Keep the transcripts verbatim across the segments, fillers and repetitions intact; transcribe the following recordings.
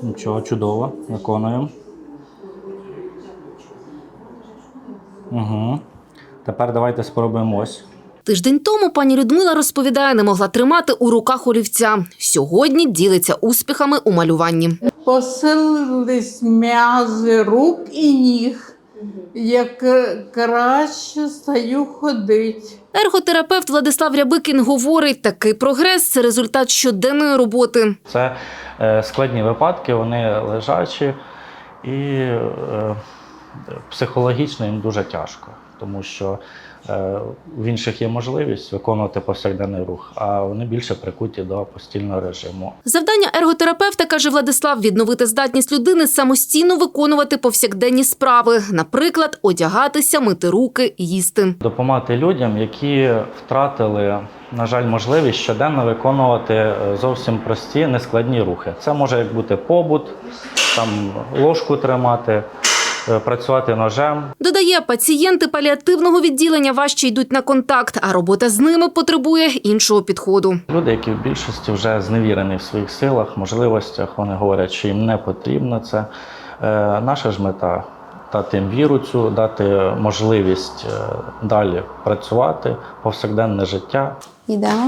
Нічого, чудово. Виконуємо. Угу. Тепер давайте спробуємо ось. Тиждень тому пані Людмила розповідає, не могла тримати у руках олівця. Сьогодні ділиться успіхами у малюванні. Посилились м'язи рук і ніг. Як краще стаю ходити. Ерготерапевт Владислав Рябикін говорить, такий прогрес – це результат щоденної роботи. Це е, складні випадки, вони лежачі і е, психологічно їм дуже тяжко, тому що е, в інших є можливість виконувати повсякденний рух, а вони більше прикуті до постільного режиму. Завдання ерготерапевта, каже Владислав, відновити здатність людини самостійно виконувати повсякденні справи. Наприклад, одягатися, мити руки, їсти. Допомагати людям, які втратили, на жаль, можливість щоденно виконувати зовсім прості, нескладні рухи. Це може як бути побут, там ложку тримати, працювати ножем. Додає, пацієнти паліативного відділення важче йдуть на контакт, а робота з ними потребує іншого підходу. Люди, які в більшості вже зневірені в своїх силах, можливостях, вони говорять, що їм не потрібно це. Е, наша ж мета – дати їм віру цю, дати можливість е, далі працювати, повсякденне життя. Ідемо.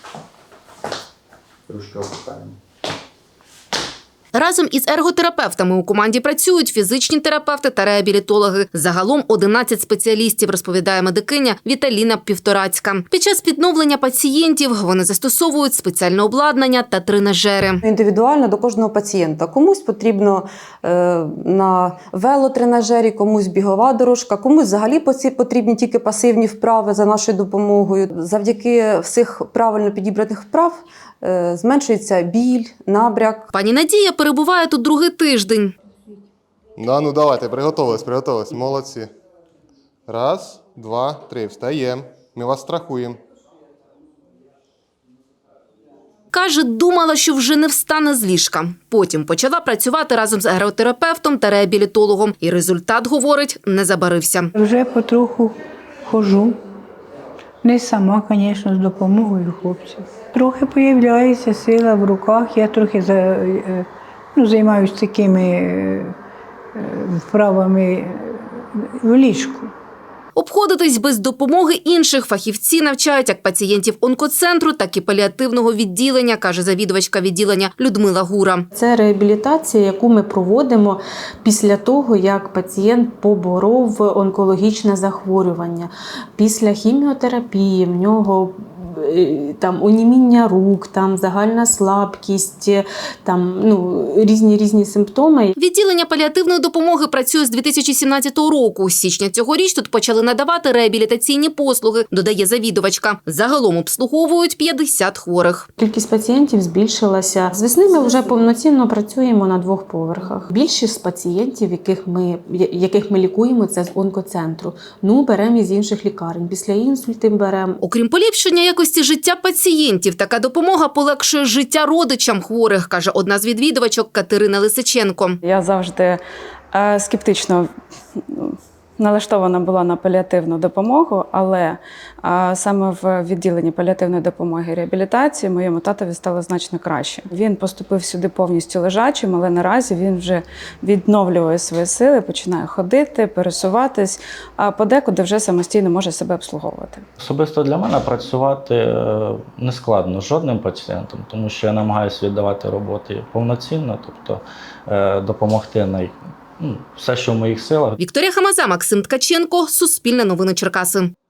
Трошки опускаємо. Разом із ерготерапевтами у команді працюють фізичні терапевти та реабілітологи. Загалом одинадцять спеціалістів, розповідає медикиня Віталіна Півторацька. Під час відновлення пацієнтів вони застосовують спеціальне обладнання та тренажери. Індивідуально до кожного пацієнта. Комусь потрібно е, на велотренажері, комусь бігова дорожка, комусь взагалі потрібні тільки пасивні вправи за нашою допомогою. Завдяки всіх правильно підібраних вправ е, зменшується біль, набряк. Пані Надія перебуває тут другий тиждень. Да, ну давайте, приготовились, приготовились. Молодці. Раз, два, три. Встаємо. Ми вас страхуємо. Каже, думала, що вже не встане з ліжка. Потім почала працювати разом з ерготерапевтом та реабілітологом. І результат, говорить, не забарився. Вже потроху ходжу. Не сама, звісно, з допомогою хлопців. Трохи з'являється сила в руках. Я трохи ну, займаюся такими вправами в ліжку. Обходитись без допомоги інших фахівці навчають як пацієнтів онкоцентру, так і паліативного відділення, каже завідувачка відділення Людмила Гура. Це реабілітація, яку ми проводимо після того, як пацієнт поборов онкологічне захворювання. Після хіміотерапії в нього там оніміння рук, там загальна слабкість, там ну різні різні симптоми. Відділення паліативної допомоги працює з дві тисячі сімнадцятого року. З січня цьогоріч тут почали надавати реабілітаційні послуги, додає завідувачка. Загалом обслуговують п'ятдесят хворих. Кількість пацієнтів збільшилася. З весни ми вже повноцінно працюємо на двох поверхах. Більшість пацієнтів, яких ми яких ми лікуємо, це з онкоцентру. Ну беремо із інших лікарень. Після інсультів беремо. Окрім поліпшення якості життя пацієнтів, така допомога полегшує життя родичам хворих, каже одна з відвідувачок Катерина Лисиченко. Я завжди е, скептично налаштована була на паліативну допомогу, але а, саме в відділенні паліативної допомоги і реабілітації моєму татові стало значно краще. Він поступив сюди повністю лежачим, але наразі він вже відновлює свої сили, починає ходити, пересуватись, а подекуди вже самостійно може себе обслуговувати. Особисто для мене працювати не складно з жодним пацієнтом, тому що я намагаюся віддавати роботи повноцінно, тобто допомогти най все, що в моїх силах. Вікторія Хамаза, Максим Ткаченко, Суспільне новини Черкаси.